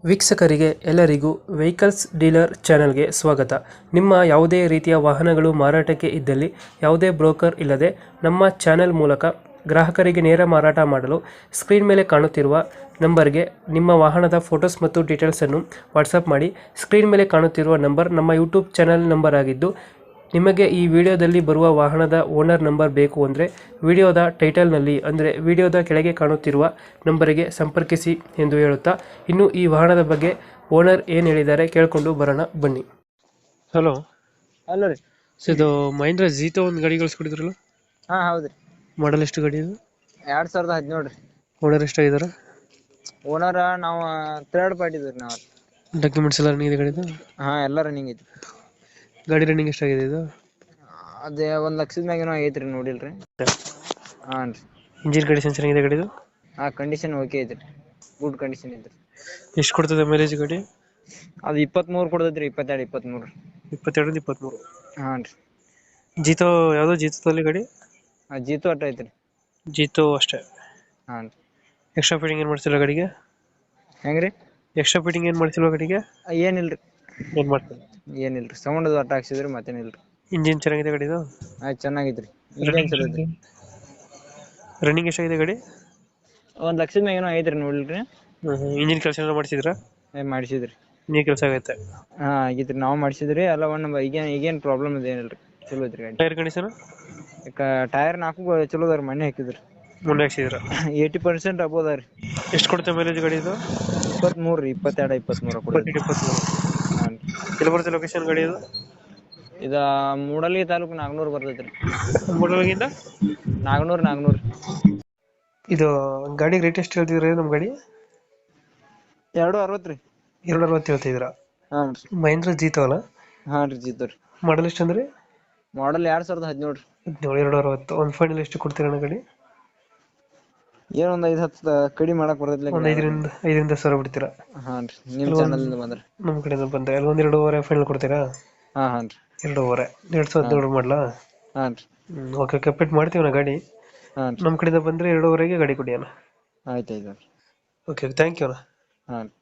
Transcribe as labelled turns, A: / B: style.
A: ವೀಕ್ಷಕರಿಗೆ ಎಲ್ಲರಿಗೂ vehicles dealer ಚಾನೆಲ್ಗೆ ಸ್ವಾಗತ. ನಿಮ್ಮ ಯಾವುದೇ ರೀತಿಯ ವಾಹನಗಳು ಮಾರಾಟಕ್ಕೆ ಇದ್ದಲ್ಲಿ ಯಾವುದೇ ಬ್ರೋಕರ್ ಇಲ್ಲದೆ ನಮ್ಮ ಚಾನೆಲ್ ಮೂಲಕ ಗ್ರಾಹಕರಿಗೆ ನೇರ ಮಾರಾಟ ಮಾಡಲು ಸ್ಕ್ರೀನ್ ಮೇಲೆ ಕಾಣುತ್ತಿರುವ ನಂಬರ್ಗೆ ನಿಮ್ಮ ವಾಹನದ ಫೋಟೋಸ್ ಮತ್ತು ಡೀಟೇಲ್ಸನ್ನು ವಾಟ್ಸಪ್ ಮಾಡಿ. ಸ್ಕ್ರೀನ್ ಮೇಲೆ ಕಾಣುತ್ತಿರುವ ನಂಬರ್ ನಮ್ಮ ಯೂಟ್ಯೂಬ್ ಚಾನೆಲ್ ನಂಬರ್ ಆಗಿದ್ದು, ನಿಮಗೆ ಈ ವಿಡಿಯೋದಲ್ಲಿ ಬರುವ ವಾಹನದ ಓನರ್ ನಂಬರ್ ಬೇಕು ಅಂದರೆ ವಿಡಿಯೋದ ಟೈಟಲ್ನಲ್ಲಿ ಅಂದರೆ ವಿಡಿಯೋದ ಕೆಳಗೆ ಕಾಣುತ್ತಿರುವ ನಂಬರಿಗೆ ಸಂಪರ್ಕಿಸಿ ಎಂದು ಹೇಳುತ್ತಾ, ಇನ್ನು ಈ ವಾಹನದ ಬಗ್ಗೆ ಓನರ್ ಏನು ಹೇಳಿದ್ದಾರೆ ಕೇಳಿಕೊಂಡು ಬರೋಣ ಬನ್ನಿ. ಹಲೋ,
B: ಹಲೋ ರೀ.
A: ಇದು ಮಹೇಂದ್ರ ಜೀತೋ ಒಂದು ಗಾಡಿ ಕಳಿಸ್ಕೊಡಿದ್ರಲ್ಲ,
B: ಹಾ ಹೌದ್ರಿ.
A: ಮಾಡಲ್ ಎಷ್ಟು ಗಾಡಿ ಇದು?
B: 2017 ರೀ.
A: ಓನರ್ ಎಷ್ಟಾಗಿದ್ದಾರೆ?
B: ಓನರ್ ನಾವು ಥರ್ಡ್ ಪಾರ್ಟಿ ಇದ್ರಿ ನಾವು.
A: ಡಾಕ್ಯುಮೆಂಟ್ಸ್ ಎಲ್ಲ ರನ್ನಿಂಗ್ ಇದೆ ಗಾಡಿದು?
B: ಹಾ ಎಲ್ಲ ರನ್ನಿಂಗ್ ಐತಿ.
A: ಗಾಡಿ ರನ್ನಿಂಗ್ ಎಷ್ಟಾಗಿದೆ ಇದು?
B: ಅದೇ 1 ಲಕ್ಷದ ಮ್ಯಾಗೇನೋ ಐತ್ರಿ, ನೋಡಿಲ್ರಿ. ಹಾಂ ರೀ.
A: ಇಂಜಿನ್ ಕಂಡೀಷನ್ ಚೆನ್ನಾಗಿದೆ ಗಾಡಿದು?
B: ಆ ಕಂಡೀಷನ್ ಓಕೆ ಐತ್ರಿ, ಗುಡ್ ಕಂಡೀಷನ್ ಐತ್ರಿ.
A: ಎಷ್ಟು ಕೊಡ್ತದೆ ಮೈಲೇಜ್ ಗಾಡಿ?
B: ಅದು 23 ಕೊಡ್ತೈತ್ರಿ, 22 23.
A: 22 23.
B: ಹಾಂ ರೀ.
A: ಜೀತೋ ಯಾವುದು? ಜೀತೋದಲ್ಲಿ ಗಾಡಿ?
B: ಜೀತು ಅಟ್ಟ ಐತ್ರಿ.
A: ಜೀತೋ ಅಷ್ಟೇ?
B: ಹಾಂ ರೀ.
A: ಎಕ್ಸ್ಟ್ರಾ ಫಿಟ್ಟಿಂಗ್ ಏನು ಮಾಡ್ತಿಲ್ಲ ಗಾಡಿಗೆ?
B: ಹೆಂಗ್ರಿ?
A: ಎಕ್ಸ್ಟ್ರಾ ಫಿಟ್ಟಿಂಗ್ ಏನು ಮಾಡ್ತಿಲ್ವ ಗಾಡಿಗೆ?
B: ಏನಿಲ್ರಿ,
A: ಏನು ಮಾಡ್ತಿಲ್ಲ.
B: ಏನಿಲ್ರಿ. ಸೌಂಡ್ ಅದು ಅಟ್ಟ ಹಾಕ್ಸಿದ್ರಿ, ಮತ್ತೇನಿಲ್ರಿ.
A: ಇಂಜಿನ್ ಚೆನ್ನಾಗಿದೆ ಗಾಡಿದು?
B: ಆಯ್ತು, ಚೆನ್ನಾಗೈತ್ರಿ. ಇಂಜಿನ್ ಚಲೋ ಐತ್ರಿ.
A: ರನ್ನಿಂಗ್ ಎಷ್ಟಾಗಿದೆ ಗಾಡಿ?
B: 1 ಲಕ್ಷದ ಮ್ಯಾಗೇನೋ ಐತ್ರಿ, ನೋಡಿಲ್ರಿ.
A: ಇಂಜಿನ್ ಕೆಲಸ ಏನಾದ್ರು ಮಾಡಿಸಿದ್ರಾ?
B: ಮಾಡಿಸಿದ್ರಿ.
A: ನೀರು ಕೆಲಸ ಆಗೈತೆ?
B: ಹಾ ಆಗೈತ್ರಿ, ನಾವು ಮಾಡಿಸಿದ್ರಿ ಎಲ್ಲ. ಈಗೇನ್ ಪ್ರಾಬ್ಲಮ್ ಇದೆ ಏನಿಲ್ರಿ, ಚಲೋ ಐತ್ರಿ ಗಾಡಿ.
A: Tyre condition?
B: ಟೈರ್ 4 ಚಲೋ ಅದಾವ್ರಿ, ಮೊನ್ನೆ ಹಾಕಿದ್ರಿ.
A: ಮುಂದೆ ಹಾಕ್ಸಿದ್ರ?
B: 80% ಅಬೋದ ರೀ.
A: ಎಷ್ಟು ಕೊಡುತ್ತೆ ಮೈಲೇಜ್ ಗಾಡಿ ಇದು?
B: 23 ರೀ, 22 23 ಕೊಡ್ತೈತಿ.
A: 23.
B: ಹಾಂ.
A: ಎಲ್ಲಿ ಬರುತ್ತೆ ಲೊಕೇಶನ್ ಗಾಡಿ ಇದು?
B: ಇದ ಮೂಡಲಗಿ ತಾಲೂಕು ನಾಗನೂರ್ ಬರ್ತೈತ್ರಿ.
A: ಮೂಡಲಗಿಂದ
B: ನಾಗನೂರ್.
A: ಇದು ಗಾಡಿ ರೇಟ್ ಎಷ್ಟು ಹೇಳ್ತಿದ್ರಿ ನಮ್ಮ ಗಾಡಿ?
B: 260 ರೀ.
A: 260 ಹೇಳ್ತಿದ್ದೀರಾ?
B: ಹಾಂ ರೀ.
A: ಮಹೇಂದ್ರ ಜೀತೋ ಅಲ್ಲ?
B: ಹಾಂ ರೀ, ಜೀತು ರೀ.
A: ಮಾಡಲ್ ಎಷ್ಟು ಅಂದ್ರೆ?
B: ಮಾಡಲ್ 2017 ರೀ.
A: 260. ಒಂದು ಫೈನಲ್ ಎಷ್ಟು ಕೊಡ್ತೀರಣ್ಣ ಗಾಡಿ?
B: ಏನೋ ಒಂದು 5-10 ಕಡಿಮೆ ಮಾಡಕ್ ಬರ್ತೈತಿ.
A: ಒಂದು 5ರಿಂದ 10,000 ಬಿಡ್ತೀರಾ?
B: ಹಾಂ ರೀ. ನಿಮ್ಮ ಚಾನಲ್ ಬಂದ್ರೆ
A: ನಮ್ಮ ಕಡೆಯಿಂದ ಬಂದ್ರೆ ಅಲ್ಲಿ 2.5 ಫೈನಲ್ ಕೊಡ್ತೀರಾ?
B: ಹಾಂ ರೀ.
A: 2.5. 2017 ಮಾಡಲಾ?
B: ಹಾಂ ರೀ.
A: ಓಕೆ, ಕಂಪ್ಲೀಟ್ ಮಾಡ್ತೀವಿ ನಾ ಗಾಡಿ.
B: ಹಾಂ ರೀ.
A: ನಮ್ಮ ಕಡೆಯಿಂದ ಬಂದರೆ 2.5ಗೆ ಗಾಡಿ ಕೊಡಿ ಅಣ್ಣ.
B: ಆಯ್ತು.
A: ಓಕೆ, ಥ್ಯಾಂಕ್ ಯು ಅಣ್ಣ.
B: ಹಾಂ.